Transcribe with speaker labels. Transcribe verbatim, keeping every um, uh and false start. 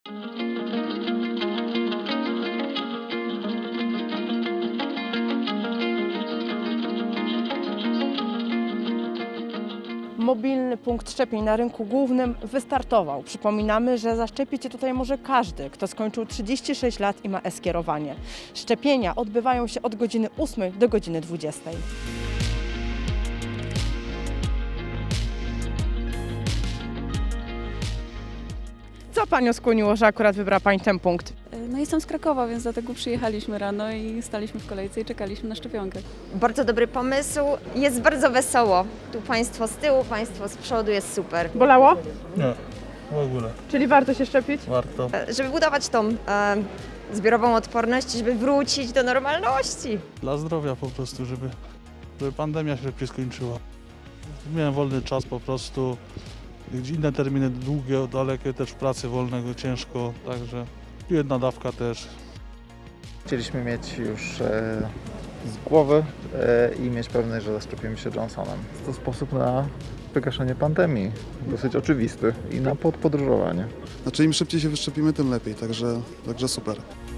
Speaker 1: Mobilny punkt szczepień na rynku głównym wystartował. Przypominamy, że zaszczepić się tutaj może każdy, kto skończył trzydzieści sześć lat i ma e-skierowanie. Szczepienia odbywają się od godziny ósmej do godziny dwudziestej. Co Panią skłoniło, że akurat wybrała Pani ten punkt?
Speaker 2: No jestem z Krakowa, więc dlatego przyjechaliśmy rano i staliśmy w kolejce i czekaliśmy na szczepionkę.
Speaker 3: Bardzo dobry pomysł, jest bardzo wesoło. Tu państwo z tyłu, państwo z przodu, jest super.
Speaker 1: Bolało?
Speaker 4: Nie, w ogóle.
Speaker 1: Czyli warto się szczepić?
Speaker 4: Warto.
Speaker 3: E, Żeby budować tą e, zbiorową odporność, żeby wrócić do normalności.
Speaker 4: Dla zdrowia po prostu, żeby, żeby pandemia się szybciej skończyła. Miałem wolny czas po prostu. Gdzie inne terminy długie, dalekie, też w pracy wolnego ciężko, także jedna dawka też.
Speaker 5: Chcieliśmy mieć już e, z głowy e, i mieć pewność, że zaszczepimy się Johnsonem. Jest to sposób na wygaszenie pandemii, dosyć oczywisty i na podpodróżowanie.
Speaker 6: Znaczy im szybciej się wyszczepimy, tym lepiej, także, także super.